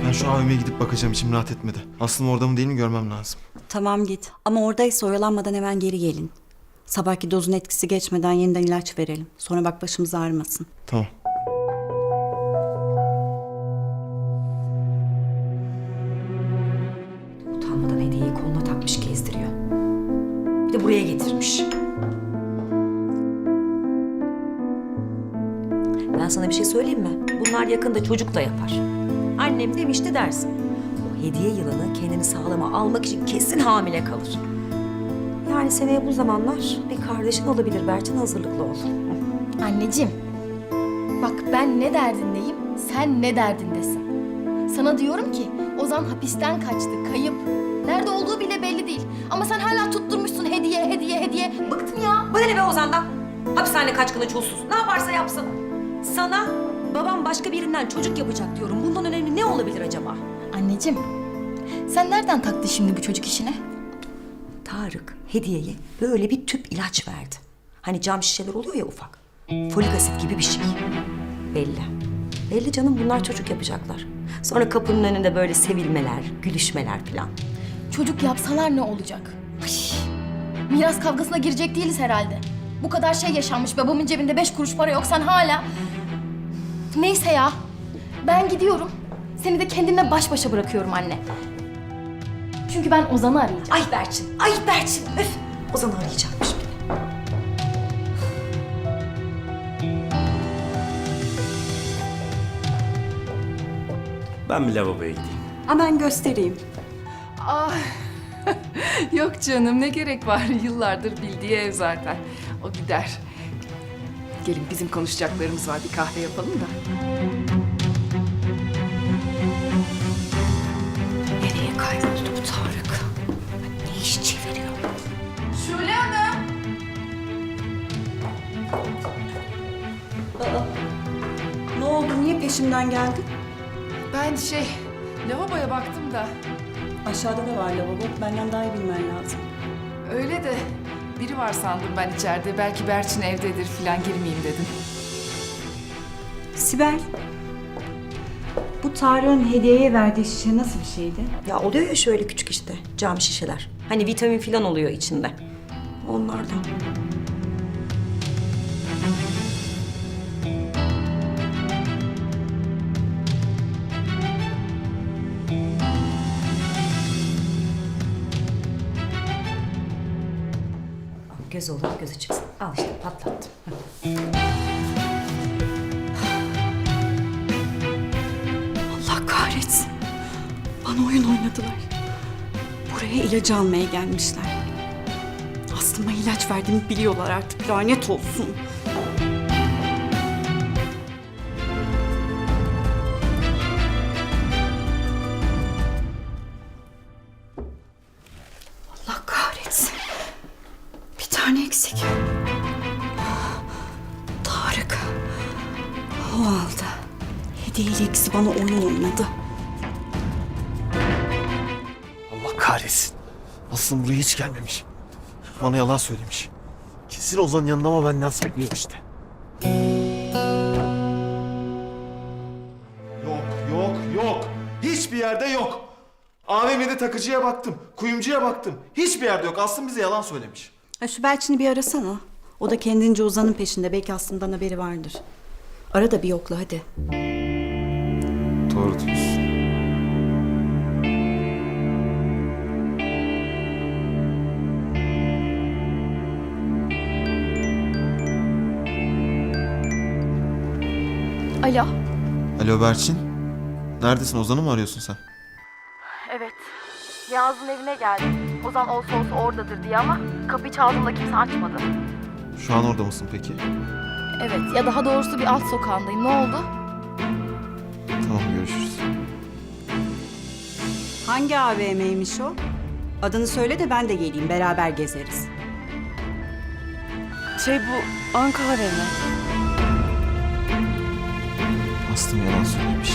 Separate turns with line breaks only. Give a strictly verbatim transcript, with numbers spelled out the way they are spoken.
Ben şu A V M'ye gidip bakacağım, içim rahat etmedi. Aslım orada mı değil mi görmem lazım.
Tamam git. Ama oradaysa oyalanmadan hemen geri gelin. Sabahki dozun etkisi geçmeden yeniden ilaç verelim. Sonra bak başımız ağrımasın.
Tamam.
Utanmadan hediyeyi koluna takmış gezdiriyor. Bir de buraya getirmiş. Ben sana bir şey söyleyeyim mi? Bunlar yakında çocuk da yapar. Annem demişti dersin. O hediye yılanı kendini sağlama almak için kesin hamile kalır. Yani seneye bu zamanlar bir kardeşin olabilir Berçin, hazırlıklı ol.
Anneciğim, bak ben ne derdindeyim, sen ne derdindesin. Sana diyorum ki Ozan hapisten kaçtı, kayıp. Nerede olduğu bile belli değil. Ama sen hala tutturmuşsun hediye, hediye, hediye. Bıktım ya.
Bana ne be Ozan'dan? Hapishane kaçkını çulsuz. Ne yaparsa yapsın. Sana babam başka birinden çocuk yapacak diyorum. Bundan önemli ne olabilir acaba?
Anneciğim, sen nereden taktın şimdi bu çocuk işine?
Tarık hediyeye böyle bir tüp ilaç verdi. Hani cam şişeler oluyor ya ufak. Folik asit gibi bir şey. Belli. Belli canım, bunlar çocuk yapacaklar. Sonra kapının önünde böyle sevilmeler, gülüşmeler falan.
Çocuk yapsalar ne olacak? Ay, miras kavgasına girecek değiliz herhalde. Bu kadar şey yaşanmış, babamın cebinde beş kuruş para yok, sen hala... Neyse ya, ben gidiyorum. Seni de kendinle baş başa bırakıyorum anne. Çünkü ben Ozan'ı arayacağım.
Ay Berçin, ay Berçin. Öf, Ozan'ı arayacakmış bir de.
Ben bir lavaboya gideyim.
Hemen göstereyim.
Ah, yok canım, ne gerek var? Yıllardır bildiği ev zaten. O gider. Gelin, bizim konuşacaklarımız var. Bir kahve yapalım da.
Nereye kayboldu bu Tarık? Ne iş çeviriyor?
Şule Hanım.
Ne oldu? Niye peşimden geldin?
Ben şey, lavaboya baktım da.
Aşağıda da var lavabo. Benden daha iyi bilmen lazım.
Öyle de biri var sandım ben içeride. Belki Berçin evdedir falan, girmeyeyim dedim.
Sibel, bu Tarık'ın hediyeye verdiği şişe nasıl bir şeydi?
Ya oluyor ya şöyle küçük işte cam şişeler. Hani vitamin falan oluyor içinde. Onlardan. Göz olur, gözü çıksın. Al işte, patlattım.
Allah kahretsin. Bana oyun oynadılar. Buraya ilacı almaya gelmişler. Aslıma ilaç verdiğimi biliyorlar artık. Lanet olsun. Allah kahretsin. Bir tane eksik. Tarık. O aldı. Hediyeyle ikisi bana oyun oynadı.
Allah kahretsin. Aslım buraya hiç gelmemiş. Bana yalan söylemiş. Kesin Ozan'ın yanında ama benden saklıyor işte. Yok, yok, yok. Hiçbir yerde yok. A V M'de takıcıya baktım, kuyumcuya baktım. Hiçbir yerde yok. Aslım bize yalan söylemiş.
Ha, şu Belçin'i bir arasana. O da kendince Ozan'ın peşinde. Belki aslından haberi vardır. Ara da bir yokla hadi.
Doğru diyorsun.
Alo.
Alo Berçin. Neredesin? Ozan'ı mı arıyorsun sen?
Evet. Yağız'ın evine geldim. Ozan olsa olsa oradadır diye ama kapıyı çaldığımda kimse açmadı.
Şu an orada mısın peki?
Evet, ya daha doğrusu bir alt sokağındayım. Ne oldu?
Tamam, görüşürüz.
Hangi A V M'ymiş o? Adını söyle de ben de geleyim. Beraber gezeriz.
Şey, bu Ankara mı?
Aslım yalan söylemiş.